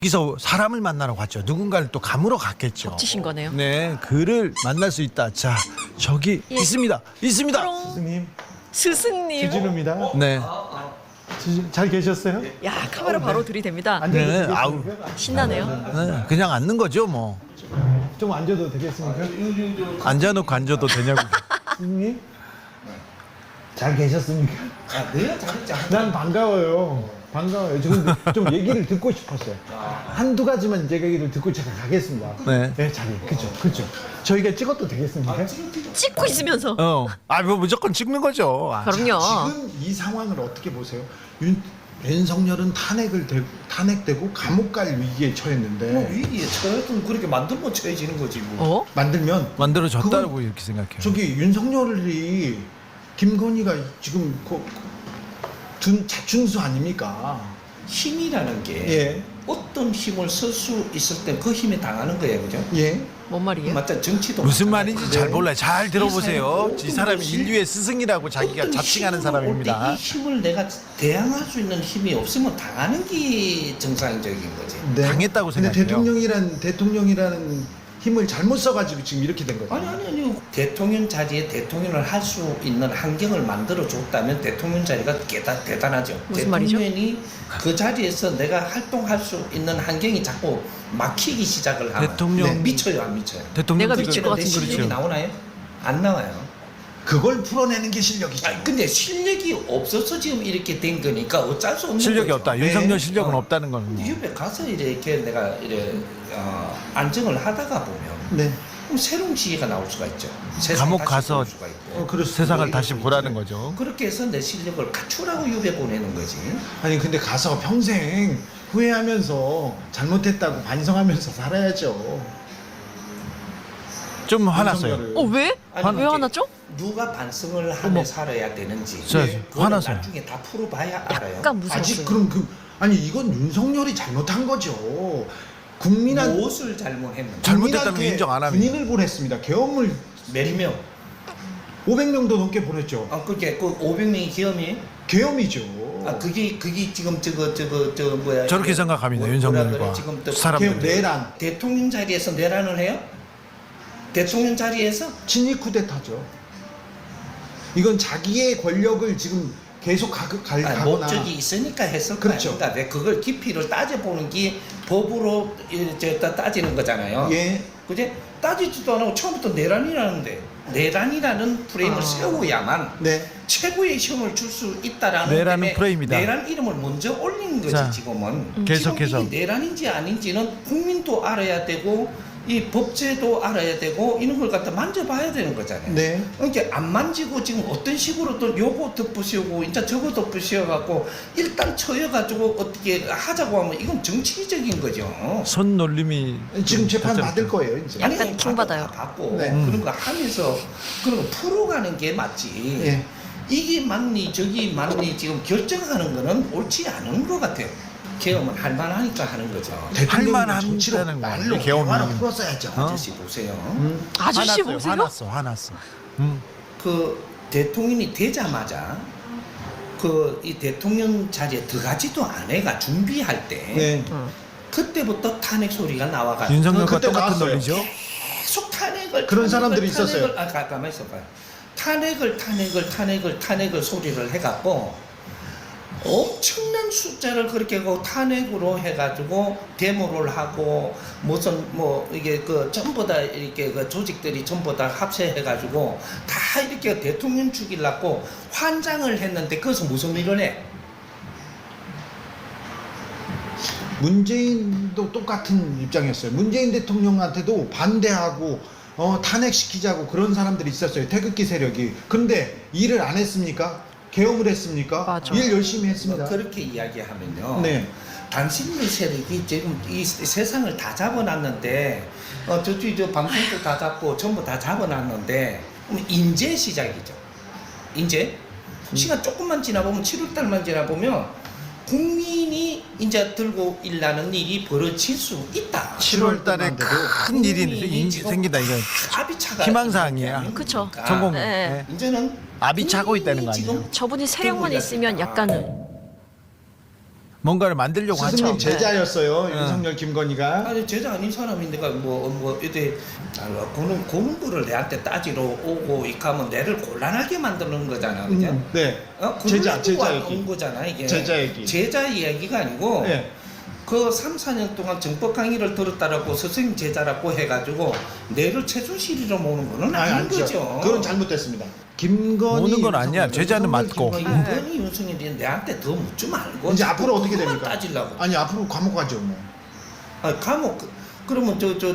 여기서 사람을 만나러 갔죠. 누군가를 또 감으러 갔겠죠. 겹치신 거네요. 네, 그를 만날 수 있다. 자, 저기 예. 있습니다. 스승님, 스승님. 주진우입니다. 네, 잘 계셨어요? 야, 카메라 바로 들이댑니다. 앉아도 네, 되겠습니까? 아우. 신나네요. 네, 그냥 앉는 거죠, 뭐. 좀 앉아도 되겠습니까? 앉아놓고 앉아도 되냐고. 스승님, 잘 계셨습니까? 내가 잘했지. 난 반가워요. 반가워요. 좀 얘기를 듣고 싶었어요. 한두 가지만 제 얘기를 듣고 제가 가겠습니다. 네. 네, 잘, 그죠. 저희가 찍어도 되겠습니까? 찍고 있으면서. 뭐 무조건 찍는 거죠. 아, 그럼요. 지금 이 상황을 어떻게 보세요? 윤석열은 탄핵되고 감옥 갈 위기에 처했는데 뭐 위기에 처했으면 그렇게 만들면 처해지는 거지 뭐. 어? 만들면 만들어졌다고 그건 이렇게 생각해요. 저기 윤석열이 김건희가 지금 둔 자충수 아닙니까? 힘이라는 게 예. 어떤 힘을 쓸 수 있을 때 그 힘에 당하는 거예요, 그죠? 예. 뭔 말이에요? 맞다, 정치도 무슨 마찬가지예요. 말인지 잘 몰라요. 잘 들어보세요. 이 이 사람이 인류의 스승이라고 자기가 어떤 자칭하는 힘으로 사람입니다. 올때이 힘을 내가 대항할 수 있는 힘이 없으면 당하는 게 정상적인 거지. 네. 당했다고 근데 생각해요. 대통령이라는 힘을 잘못 써가지고 지금 이렇게 된 거죠. 아니 대통령 자리에 대통령을 할 수 있는 환경을 만들어 줬다면 대통령 자리가 대단하죠. 무슨 말이죠? 대통령이 그 자리에서 내가 활동할 수 있는 환경이 자꾸 막히기 시작을 하면 대통령- 미쳐요, 안 미쳐요? 대통령 내가 미칠 것 내 같은 실력이 그렇죠. 나오나요? 안 나와요. 그걸 풀어내는 게 실력이죠. 아니, 근데 실력이 없어서 지금 이렇게 된 거니까 어쩔 수 없는 실력이 거죠. 없다. 네. 윤석열 실력은 없다는 건. 뭐. 유배 가서 이렇게 내가 안정을 하다가 보면 네. 그럼 새로운 지혜가 나올 수가 있죠. 감옥 다시 가서 볼 수가 있고. 그렇습니다. 세상을 다시 보라는 거죠. 그렇게 해서 내 실력을 갖추라고 유배 보내는 거지. 아니 근데 가서 평생 후회하면서 잘못했다고 반성하면서 살아야죠. 좀 화났어요. 윤석열을. 왜? 아니, 왜 화났죠? 누가 반성을 하며 살아야 되는지. 저, 그건 화나서요. 나중에 다 풀어봐야 알아요. 약간 무서웠어요. 아직 그럼 아니 이건 윤석열이 잘못한 거죠. 국민한 무엇을 잘못했는지. 잘못했다는 거 국민한테 인정 안 합니다. 군인을 보냈습니다. 계엄을 몇 명? 500명도 넘게 보냈죠. 그게 그 500명이 기업이? 계엄이죠. 그게 지금 저 뭐야? 저렇게 생각합니다. 윤석열과 그래, 지금 또 사람들이. 계엄 내란 대통령 자리에서 내란을 해요? 대통령 자리에서? 친위 쿠데타죠. 이건 자기의 권력을 지금 계속 가거나 목적이 있으니까 했을 거 그렇죠. 아닙니까? 왜 그걸 깊이를 따져보는 게 법으로 이제 따지는 거잖아요. 예. 그제 따지지도 않고 처음부터 내란이라는데 내란이라는 프레임을 세워야만 네. 최고의 시험을 줄 수 있다라는 내란은 때문에 프레임이다. 내란 이름을 먼저 올린 거지. 자, 지금은 계속해서. 지금 이게 내란인지 아닌지는 국민도 알아야 되고 이 법제도 알아야 되고 이런 걸 갖다 만져봐야 되는 거잖아요. 네. 그러니까 안 만지고 지금 어떤 식으로 또 요거 덧부시고 이제 저거 덧부시어갖고 일단 쳐여가지고 어떻게 하자고 하면 이건 정치적인 거죠. 손 놀림이 지금 좀 재판 다짜고짜. 받을 거예요 이제. 약간 킹받아요. 받고 네. 그런 거 하면서 그런 거 풀어가는 게 맞지. 예. 이게 맞니 저기 맞니 지금 결정하는 거는 옳지 않은 것 같아요. 계엄은 할 만하니까 하는 거죠. 대통령이 할만하다는 정치로 거야, 말로 계엄이. 대화로 풀었어야죠. 아저씨 보세요. 아저씨 화났어요. 보세요. 화났어. 그 대통령이 되자마자 그 이 대통령 자리에 들어가지도 않아가 준비할 때 네. 그때부터 탄핵 소리가 나와가지고 윤석열과 그때 똑같은 나왔어요. 논리죠. 계속 탄핵을 그런 탄핵을, 사람들이 탄핵을, 있었어요. 가만히 있어봐요. 탄핵을 소리를 해갖고 엄청난 숫자를 그렇게 하고 탄핵으로 해가지고 데모를 하고 무슨 뭐 이게 그 전부 다 이렇게 그 조직들이 전부 다 합세해가지고 다 이렇게 대통령 죽이려고 환장을 했는데 그것은 무슨 일을 해? 문재인도 똑같은 입장이었어요. 문재인 대통령한테도 반대하고 탄핵시키자고 그런 사람들이 있었어요. 태극기 세력이. 근데 일을 안 했습니까? 계엄을 했습니까? 맞아. 일 열심히 했습니다. 그렇게 이야기하면요. 네. 당신의 세력이 지금 이 세상을 다 잡아놨는데 저쪽이 저 방송도 다 잡고 전부 다 잡아놨는데 그럼 인제 시작이죠. 인제 시간 조금만 지나보면 7월달만 지나보면 국민이 이제 들고 일나는 일이 벌어질 수 있다. 7월 달에 큰 일이 국민이 지금 생긴다 이거. 합의차가 희망사항이야. 그쵸. 성공. 네. 네. 이제는 압이 차고 있다는 거 국민이 아니에요? 지금 저분이 세력만 들고 있으면 일났다. 약간은 뭔가를 만들려고 하죠. 스승님 제자였어요. 네. 윤석열 김건희가. 아니 제자 아닌 사람이 내가 뭐 이때 고는 거를 내한테 따지러 오고 이렇게 하면 내를 곤란하게 만드는 거잖아, 그죠? 네. 제자 제자 얘기. 온 거잖아 이게. 제자 얘기. 제자 이야기가 아니고 네. 그 3, 4년 동안 정법 강의를 들었다라고 스승 제자라고 해가지고 내를 최순실이로 모는 거는 아닌 아니죠. 거죠. 그건 잘못됐습니다. 김건희 모는 건 아니야. 윤석열, 제자는 윤석열, 맞고. 김건희. 김건희 윤석열이 내한테 더 묻지 말고 이제 앞으로 어떻게 그것만 됩니까? 따지려고. 아니 앞으로 감옥 가죠 뭐. 아니, 감옥 그러면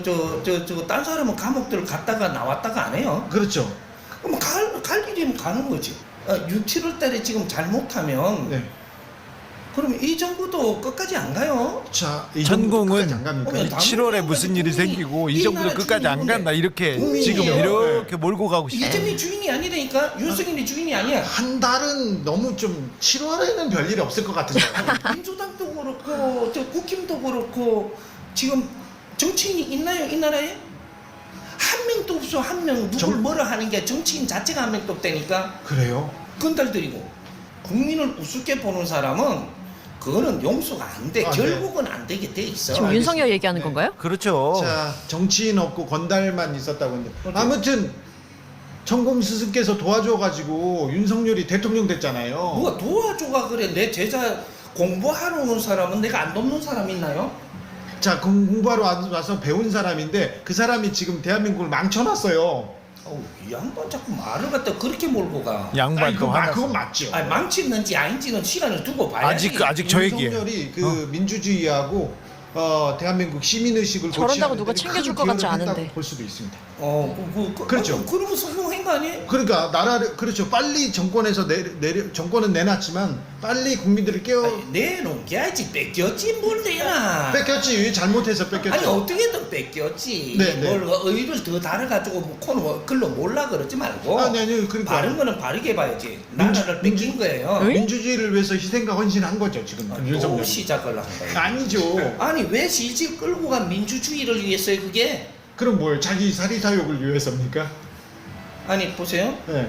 딴 사람은 감옥들 갔다가 나왔다가 안 해요. 그렇죠. 그럼 갈 일이면 가는 거지. 6, 7월 달에 지금 잘못하면 네. 그럼 이 정부도 끝까지 안 가요. 자, 이 전공은 정부까지 안 갑니까? 어머, 7월에 무슨 일이 생기고 이 정부도 끝까지 안 간다 이렇게 국민이에요. 지금 이렇게 몰고 가고 싶어. 이재명이 주인이 아니라니까. 윤석열이 주인이 아니야. 한 달은 너무 좀 7월에는 별일이 없을 것 같은데. 민주당도 그렇고 저 국힘도 그렇고 지금 정치인이 있나요 이 나라에? 한 명도 없어. 한 명 누굴 뭐라 하는 게 정치인 자체가 한 명도 없다니까. 그래요? 건달들이고 국민을 우습게 보는 사람은 그거는 용서가 안 돼. 아, 네. 결국은 안 되게 돼 있어. 지금 윤석열 얘기하는 네. 건가요? 그렇죠. 자, 정치인 없고 건달만 있었다고 했는데 아무튼 천공 스승께서 도와줘가지고 윤석열이 대통령 됐잖아요. 누가 도와줘가 그래. 내 제자 공부하러 오는 사람은 내가 안 돕는 사람 있나요? 자, 공부하러 와서 배운 사람인데 그 사람이 지금 대한민국을 망쳐놨어요. 어우, 이 양반 자꾸 말을 갖다 그렇게 몰고 가. 양반도 하나. 그건 맞죠. 아니, 망치는지 아닌지는 시간을 두고 봐야지. 아직 저 얘기예요. 윤석열이 그 민주주의하고 대한민국 시민의식을 저런다고 고취하는 누가 데 챙겨줄 큰 것 같지 기여를 했다고 않은데. 볼 수도 있습니다. 그렇죠. 그렇죠. 그러면 성공한 거 아니에요? 그러니까 나라를 그렇죠. 빨리 정권에서 정권은 내놨지만 빨리 국민들을 아니, 내놓겨야지. 뺏겼지 뭘 내놔. 뺏겼지. 잘못해서 뺏겼죠. 아니 어떻게든 뺏겼지. 네, 네. 뭘 의를 더 달아가지고 뭐 코너 글로 몰라 그러지 말고. 아니 그러니까 바른 거는 바르게 봐야지. 나라를 뺏긴 거예요. 응? 민주주의를 위해서 희생과 헌신한 거죠 지금 또 윤석열. 시작을 한 거예요. 아니죠. 아니 왜 질질 끌고 간 민주주의를 위해서요 그게? 그럼 뭘 자기 사리사욕을 위해서입니까? 아니 보세요. 네.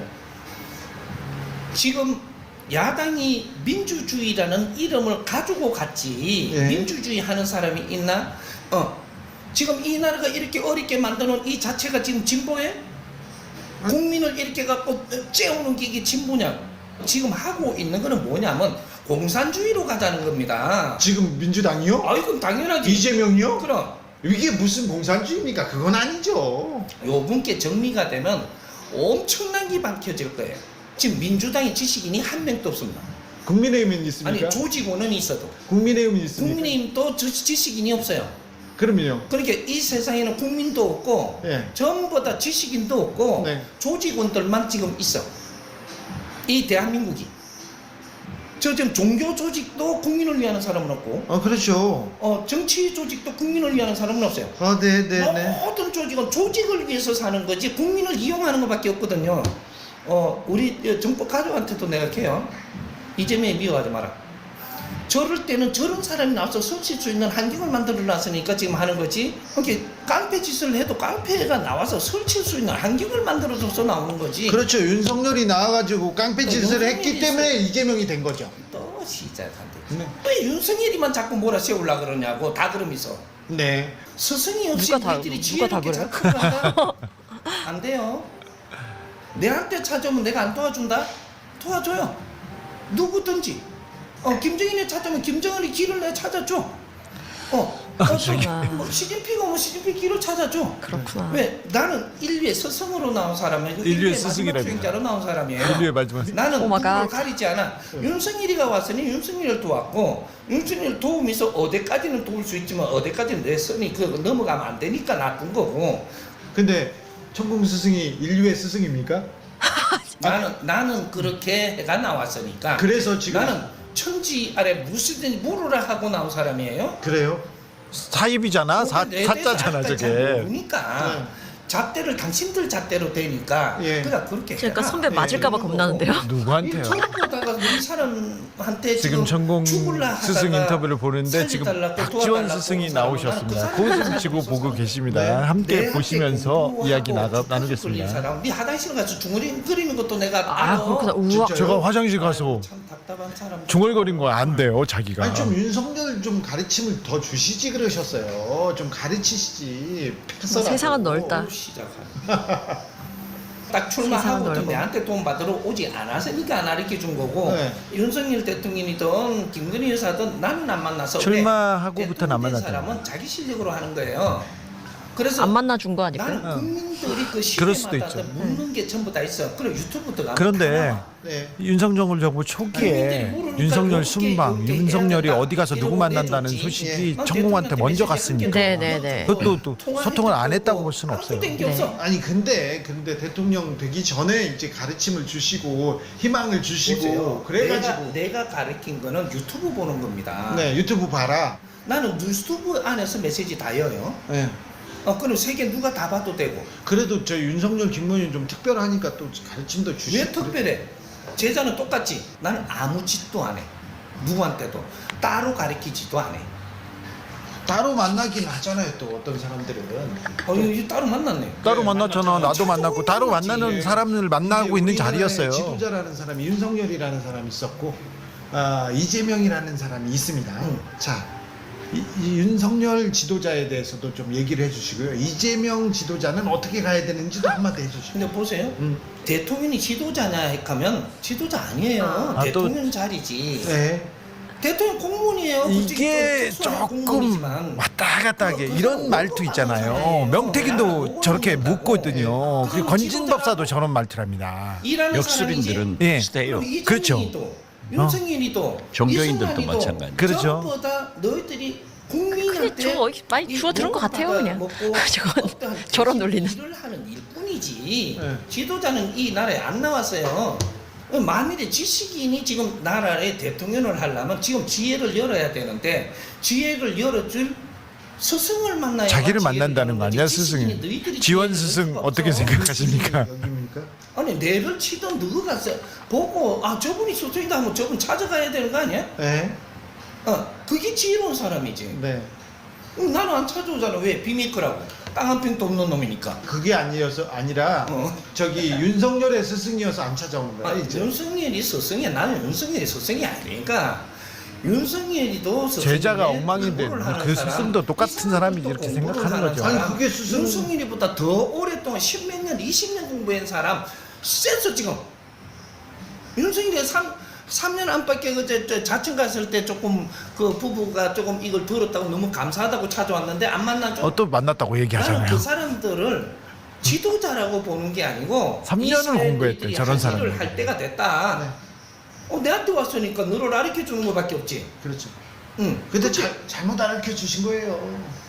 지금 야당이 민주주의라는 이름을 가지고 갔지. 예. 민주주의 하는 사람이 있나? 지금 이 나라가 이렇게 어렵게 만드는 이 자체가 지금 진보예요? 국민을 이렇게 갖고 째우는 게 이게 진보냐? 지금 하고 있는 거는 뭐냐면 공산주의로 가자는 겁니다. 지금 민주당이요? 아이 그럼 당연하지. 이재명이요? 그럼 이게 무슨 공산주의입니까? 그건 아니죠. 요 분께 정리가 되면 엄청난 게 밝혀질 거예요. 지금 민주당의 지식인이 한 명도 없습니다. 국민의힘은 있습니까? 아니 조직원은 있어도 국민의힘은 있습니까? 국민의힘도 지식인이 없어요. 그럼요. 그러니까 이 세상에는 국민도 없고 예. 전부 다 지식인도 없고 네. 조직원들만 지금 있어. 이 대한민국이. 저 지금 종교 조직도 국민을 위하는 사람은 없고 그렇죠. 정치 조직도 국민을 위하는 사람은 없어요. 네네네. 모든 조직은 조직을 위해서 사는 거지 국민을 이용하는 것밖에 없거든요. 우리 정법 가족한테도 내가 해요. 이재명이 미워하지 마라. 저럴 때는 저런 사람이 나와서 설칠 수 있는 환경을 만들어 놨으니까 지금 하는 거지. 이렇게 깡패 짓을 해도 깡패가 나와서 설칠 수 있는 환경을 만들어줘서 나오는 거지. 그렇죠. 윤석열이 나와가지고 깡패짓을 했기 윤석열이 때문에 이재명이 된 거죠. 또 시작한대. 네. 왜 윤석열이만 자꾸 몰아세우려 그러냐고 다 그러면서. 네. 스승이 없이 누가 다- 우리들이 누가 다 지혜롭게 그래요? 잘 풀어간다? 안 돼요. 내한테 찾아오면 내가 안 도와준다? 도와줘요. 누구든지. 김정인이 찾아오면 김정은이 길을 내가 찾아줘. 시진핑 오면 시진핑 길을 찾아줘. 그렇구나. 왜? 나는 인류의 스승으로 나온 사람이고 인류의 마지막 스승이라니. 수행자로 나온 사람이에요. 인류의 마지막 나는 오 마이 갓. 누구를 가리지 않아. 윤석열이가 왔으니 윤석열을 도왔고 윤석열 도우면서 어디까지는 도울 수 있지만 어디까지는 내 선이 넘어가면 안 되니까 나쁜 거고. 근데 천공 스승이 인류의 스승입니까? 나는 그렇게 해가 나왔으니까. 그래서 지금 나는 천지 아래 무엇이든지 물으라 하고 나온 사람이에요. 그래요? 사입이잖아. 사자잖아 저게. 그러니까 네. 잣대를 당신들 잣대로 되니까. 예. 그러니까 그렇게. 그러니까 해라. 선배 맞을까봐 예, 겁나는데요. 누구한테요? 전부 다가 우리 사람한테 지금 전공 죽을라 스승 하다가 인터뷰를 보는데 지금 살려달라고 박지원 도와달라고 스승이 사람은 나오셨습니다. 그 사람을 고웃음 치고 보고 있어서 계십니다. 내 함께 한테 보시면서 공부하고 이야기 주택 돌린 나누겠습니다. 사람, 네 화장실 가서 중얼이 끓이는 것도 내가 아, 알아. 그렇구나. 우와. 진짜요? 제가 화장실 가서 참 답답한 사람. 중얼거린 거 안 돼요, 자기가. 아니 좀 윤석열 좀 가르침을 더 주시지 그러셨어요. 좀 가르치시지. 패서라고. 세상은 넓다. 시작하네. 딱 세상은 출마하고도 넓어. 내한테 돈 받으러 오지 않았으니까 안 가르쳐 준 거고 네. 윤석열 대통령이든 김건희 여사든 나는 안 만나서 출마하고부터는 안 왜? 만났잖아요. 대통령 된 사람은 자기 실력으로 하는 거예요. 그래서 안 만나 준 거 아닐까요? 나는 국민들이 그 그럴 수도 시대마다 있죠. 묻는 게 전부 다 있어. 그럼 유튜브부터 가면 그런데 다 나와. 네. 윤석열 정부 초기에 윤석열 순방, 윤석열이 어디 가서 누구 만난다는 소식이 천공한테 먼저 갔으니까. 네네네. 그것도 또 소통을 안 했다고 볼 수는 없어요. 아무것도 게 없어. 아니 근데 대통령 되기 전에 이제 가르침을 주시고 희망을 주시고 보세요. 그래가지고 내가 가르친 거는 유튜브 보는 겁니다. 네 유튜브 봐라. 나는 유튜브 안에서 메시지 다 여요. 네. 그럼 세계 누가 다 봐도 되고. 그래도 저 윤석열 김문희 좀 특별하니까 또 가르침도 주시고. 왜 특별해? 제자는 똑같지. 나는 아무 짓도 안 해. 누구한테도 따로 가르치지도 안 해. 따로 만나긴 하잖아요. 또 어떤 사람들은. 이거 따로 만났네. 따로 만났잖아. 나도 만났고 따로 만났지. 만나는 사람을 만나고 근데 있는 우리나라에 자리였어요. 지도자라는 사람이 윤석열이라는 사람이 있었고 이재명이라는 사람이 있습니다. 응. 자. 이 윤석열 지도자에 대해서도 좀 얘기를 해주시고요. 이재명 지도자는 어떻게 가야 되는지도 한마디 해주시고. 근데 보세요. 대통령이 지도자냐 하면 지도자 아니에요. 아, 대통령 자리지. 네. 대통령 공무원이에요. 이게 솔직히 좀 특수한 조금 공무원이지만. 왔다 갔다 하게 그거 이런 말투 있잖아요. 명태균도 저렇게 묻거든요. 그리고 건진법사도 저런 말투랍니다. 일하는 역술인들은 예. 비슷해요. 그렇죠. 윤석열이도 종교인들도 이승만이도 마찬가지. 그렇죠. 전부 다 너희들이 국민한테 근데 저거 많이 주워 들은 것 같아요, 그냥. 저건 어떠한 저런 논리는. 일을 하는 일뿐이지. 네. 지도자는 이 나라에 안 나왔어요. 만일에 지식인이 지금 나라의 대통령을 하려면 지금 지혜를 열어야 되는데 지혜를 열어줄 스승을 만나야 자기를 지혜를 만난다는 여는 거 거지. 아니야, 지식인이 스승이? 너희들이 지원 지혜를 스승 열 수가 어떻게 없어. 생각하십니까? 여기입니까? 아니 내를 치던 너가 가서 보고 저분이 스승이다 하면 저분 찾아가야 되는 거 아니야? 네. 그게 지혜로운 사람이지. 네. 나는 안 찾아오잖아. 왜? 비밀 거라고. 땅 한 평도 없는 놈이니까. 그게 아니라 저기 윤석열의 스승이어서 안 찾아오는 거야. 이제. 윤석열이 스승이야. 나는 윤석열이 스승이 아니니까. 윤석열이도 스승인데 제자가 엉망인데 공부를 하는 그 사람, 스승도 똑같은 이 사람이지 사람도 이렇게 공부를 생각하는 하는 거죠. 사람, 아니, 그게 스승- 윤석열이보다 더 오랫동안 10몇 년, 20년 공부한 사람 쎄서 지금. 윤석열이 3년 안팎에 저 자청 갔을 때 조금 그 부부가 조금 이걸 들었다고 너무 감사하다고 찾아왔는데 안 만난 좀. 또 만났다고 나는 얘기하잖아요. 그 사람들을 지도자라고 보는 게 아니고 3년을 공부했대, 저런 사람이. 할 때가 됐다. 네. 내한테 왔으니까 너를 가르쳐 주는 것밖에 없지. 그렇죠. 응. 근데 잘못 알려 주신 거예요.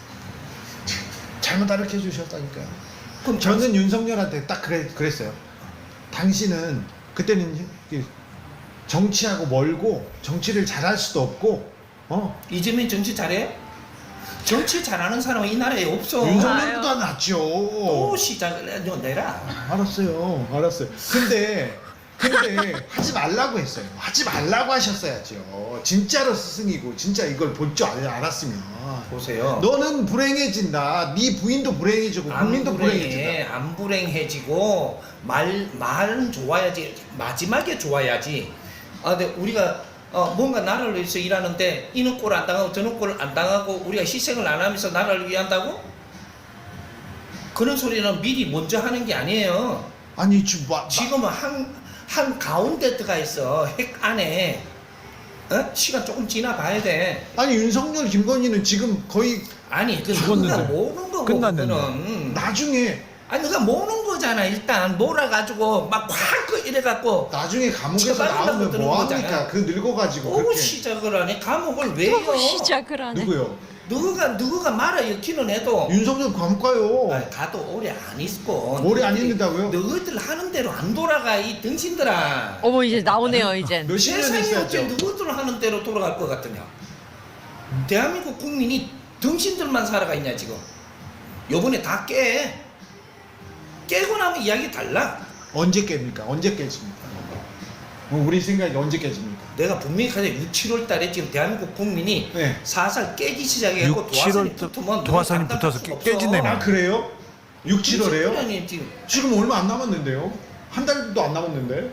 잘못 알려 주셨다니까요. 그럼 저는 윤석열한테 딱 그랬어요. 당신은 그때는 정치하고 멀고 정치를 잘할 수도 없고 이재명 정치 잘해? 정치 잘하는 사람은 이 나라에 없어. 윤석열보다 낫죠. 또 시작을 해. 너 내라. 알았어요. 근데 하지 말라고 했어요. 하지 말라고 하셨어야죠. 진짜로 스승이고 진짜 이걸 볼 줄 알았으면. 보세요. 너는 불행해진다. 네 부인도 불행해지고 국민도 불행해진다. 안 불행해지고 말은 좋아야지. 마지막에 좋아야지. 근데 우리가 뭔가 나라를 위해서 일하는데 이는 꼴 안 당하고 저는 꼴 안 당하고 우리가 희생을 안 하면서 나라를 위한다고? 그런 소리는 미리 먼저 하는 게 아니에요. 아니 지금은 한 가운데 들어가 있어. 핵 안에. 시간 조금 지나 봐야 돼. 아니 윤석열 김건희는 지금 거의 아니 그 죽었는데. 누가 모는 거고 끝났는데. 그거는. 나중에 누가 모는 거잖아. 일단 몰아가지고 막 확 이래갖고 나중에 감옥에서 처벌하려고 나오면 드는 뭐 합니까? 거잖아. 그 늙어가지고 또 그렇게 시작을 하네. 감옥을 왜요? 또 시작을 하네. 누구요? 누구가 말아 엮기는 해도 윤석열 감옥 가요. 가도 오래 안 있고. 오래 안 있는다고요? 너희들 하는 대로 안 돌아가 이 등신들아. 어머 이제 나오네요 이젠. 몇십 년 세상에 어째 있어야죠. 너희들 하는 대로 돌아갈 것 같으냐. 대한민국 국민이 등신들만 살아가 있냐 지금. 요번에 다 깨고 나면 이야기 달라. 언제 깹니까? 언제 깨집니까? 우리 생각이 언제 깨집니까? 내가 분명히 가자 6, 7월 달에 지금 대한민국 국민이 네. 살살 깨기 시작해갖고 6, 7월 도화선이 붙어서 깨진다며. 아 그래요? 6, 7월에요? 아니 지금 지금 얼마 안 남았는데요? 한 달도 안 남았는데?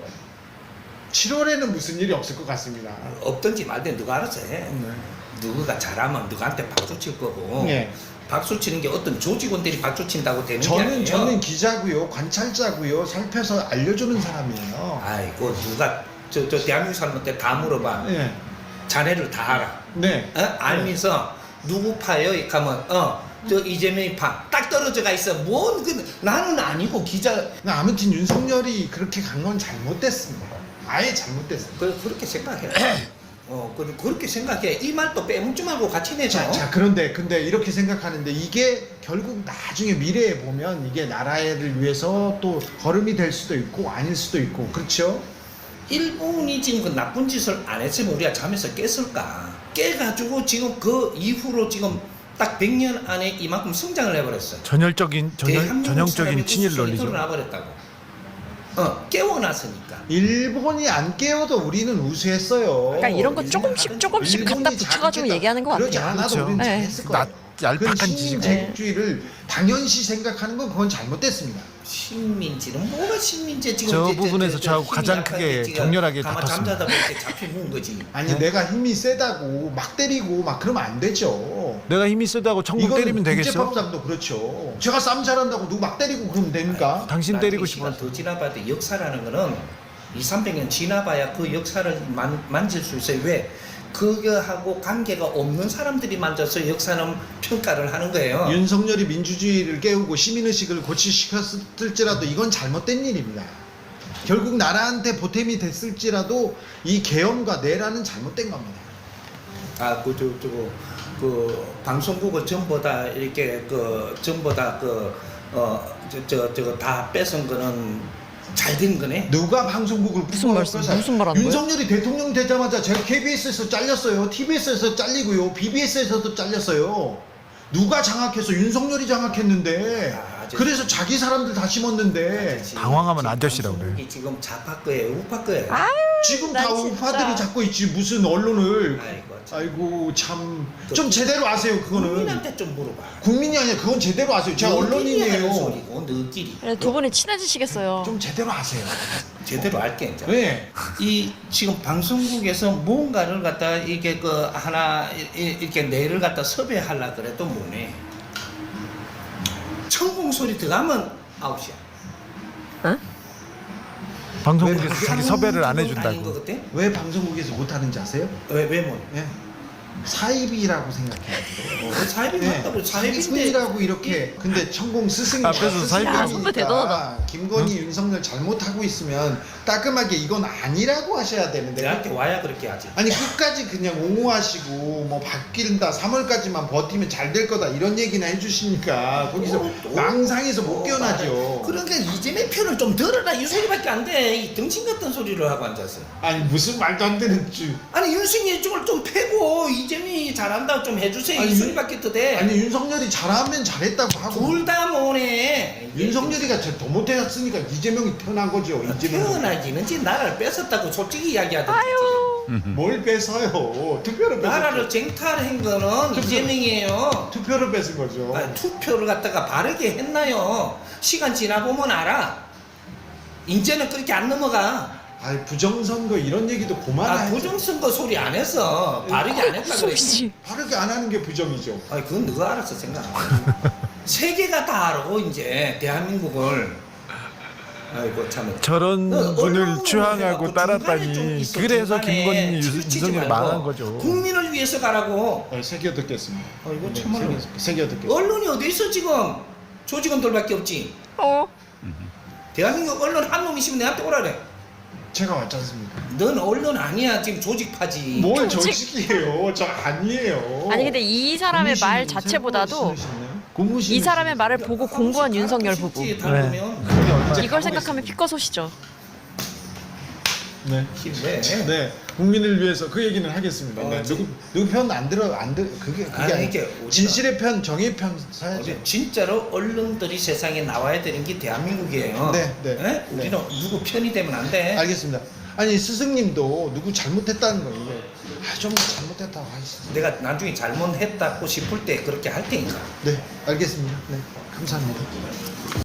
7월에는 무슨 일이 없을 것 같습니다. 없든지 말든 누가 알아서 해. 네. 누가 잘하면 누구한테 박수 칠 거고. 네. 박수 치는 게 어떤 조직원들이 박수 친다고 되는 게 아니에요. 저는 기자고요, 관찰자고요, 살펴서 알려주는 사람이에요. 아이고 누가 저 대한민국 사람한테 다 물어봐. 네. 자네를 다 알아. 네. 알면서 누구 파요? 이렇게 하면 저 이재명이 파. 딱 떨어져가 있어. 나는 아니고 기자. 아무튼 윤석열이 그렇게 간 건 잘못됐습니다. 아예 잘못됐어요. 그렇게 생각해. 그렇게 생각해. 이 말도 빼먹지 말고 같이 내자. 자, 근데 이렇게 생각하는데 이게 결국 나중에 미래에 보면 이게 나라를 위해서 또 걸음이 될 수도 있고 아닐 수도 있고 그렇죠? 일본이 지금 그 나쁜 짓을 안 했으면 우리가 잠에서 깼을까? 깨가지고 지금 그 이후로 지금 딱 100년 안에 이만큼 성장을 해버렸어. 전형적인 친일 논리죠. 나버렸다고. 깨워놨으니까. 일본이 안 깨워도 우리는 우수했어요. 그러니까 이런 거 조금씩 일본이 갖다 붙여가지고 잘못했다. 얘기하는 것 그러지 같아요. 않아도 그렇죠. 우리는 네. 잘했을 거예요. 얄팍한 그 지식. 신민제국주의를 당연시 생각하는 건 그건 잘못됐습니다. 식민지는 뭐가 식민지 지금 저 이제 부분에서 저하고 힘이 가장 약한데 크게 지금 격렬하게 가만 다퉜습니다. 잠자다 보니까 잡혀 먹은 거지. 아니 내가 힘이 세다고 막 때리고 막 그러면 안 되죠. 내가 힘이 세다고 천국 때리면 되겠어? 국제법상도 그렇죠. 제가 싸움 잘한다고 누구 막 때리고 그러면 됩니까? 당신 때리고 시간 싶어. 더 지나봐도 역사라는 거는 200~300년 지나봐야 그 역사를 만질 수 있어요. 왜? 그거하고 관계가 없는 사람들이 만져서 역사는 평가를 하는 거예요. 윤석열이 민주주의를 깨우고 시민의식을 고취시켰을지라도 이건 잘못된 일입니다. 결국 나라한테 보탬이 됐을지라도 이 계엄과 내란은 잘못된 겁니다. 그 방송국을 전부 다 이렇게 전부 다 저거 다 뺏은 거는 잘 된 거네. 누가 방송국을 무슨 말씀? 무슨 말 하는 거예요? 윤석열이 대통령 되자마자 제가 KBS에서 잘렸어요. TBS에서 잘리고요. BBS에서도 잘렸어요. 누가 장악해서 윤석열이 장악했는데 그래서 자기 사람들 다 심었는데 당황하면 아저씨라고 그래요. 방송국이 지금 좌파 거예요, 우파 거예요. 지금 난 다 진짜. 우파들이 잡고 있지 무슨 언론을. 아이고, 참. 아이고 참 좀 제대로 아세요 그거는. 국민한테 좀 물어봐. 국민이 아니야 그건 제대로 아세요. 제가 너끼리 하는 언론인이에요. 소리고 너끼리 그래, 두 분이 친해지시겠어요. 좀 제대로 아세요. 제대로 알게 이제. 네. 이 지금 방송국에서 뭔가를 갖다 이게 하나 이렇게 내를 갖다 섭외하려 그래도 뭐네. 천공 소리 들어가면 아웃이야. 응? 방송국에서 왜 자기 섭외를 안 아닌 것 해준다고. 같아? 왜 방송국에서 못하는지 아세요? 왜 뭐? 예. 사입이라고 생각해요. 사입이 네. 맞다고 사입인데 사입이라고 이렇게 근데 천공 스승이 앞에서 사입. 야, 선배 대단하다. 김건희 윤석열 잘못하고 있으면 따끔하게 이건 아니라고 하셔야 되는데 내한테 와야 그렇게 하지. 아니 끝까지 그냥 옹호하시고 뭐 바뀐다 3월까지만 버티면 잘 될 거다 이런 얘기나 해주시니까 거기서 망상에서 못 깨어나죠. 그러니까 이재명 편을 좀 들어라 이 소리밖에 안 돼. 이 등신 같은 소리를 하고 앉았어. 아니 무슨 말도 안 되는 줄. 아니 윤석열이 쪽을 좀 패고 이재명이 잘한다고 좀 해주세요. 아니, 이 소리밖에 더 돼. 아니 윤석열이 잘하면 잘했다고 하고 둘 다 뭐네. 윤석열이가 더 못했으니까 이재명이 태어난 거죠. 이재명 태어나기는 지 나라를 뺏었다고 솔직히 이야기하던지. 뭘 뺏어요? 투표를 뺏었죠. 나라를 쟁탈한 거는 이재명이에요. 투표를 뺏은 거죠. 아니, 투표를 갖다가 바르게 했나요? 시간 지나보면 알아. 이제는 그렇게 안 넘어가. 아니 부정선거 이런 얘기도 그만하죠. 부정선거 소리 안 했어. 바르게 안 했다 그랬지. 소리지. 바르게 안 하는 게 부정이죠. 아니 그건 너가 알아서 생각. 세계가 다 알아 이제 대한민국을. 아이고 참. 저런 분을 언론을 추앙하고 해갖고 중간에 좀 따랐다니. 있어, 그래서 중간에 김건희 치우치지 윤석열이 말고 망한 거죠. 국민을 위해서 가라고. 새겨 듣겠습니다. 아이고 네, 참말로. 새겨 듣겠습니다. 언론이 어디 있어 지금? 조직원들밖에 없지. 어? 대한민국 언론 한 놈 있으면 내한테 오라래. 제가 왔지 않습니까? 넌 언론 아니야 지금 조직파지. 뭘 조직- 조직이에요? 저 아니에요. 아니 근데 이 사람의 말 고무신 자체보다도 고무신 이 사람의 말을 보고 공부한 윤석열 부부. 닮으면 이걸 생각하면 피꺼소시죠. 네. 힘내. 네. 국민을 위해서 그 얘기는 하겠습니다. 네. 누구 편 안 들어 그게 아니, 아니 이게 오지마. 진실의 편 정의 편 사야죠. 진짜로 언론들이 세상에 나와야 되는 게 대한민국이에요. 네, 네. 예? 우리는 누구 편이 되면 안 돼. 알겠습니다. 아니 스승님도 누구 잘못했다는 거예요. 좀 잘못했다고 하시죠. 내가 나중에 잘못했다고 싶을 때 그렇게 할 테니까. 네, 알겠습니다. 네, 감사합니다.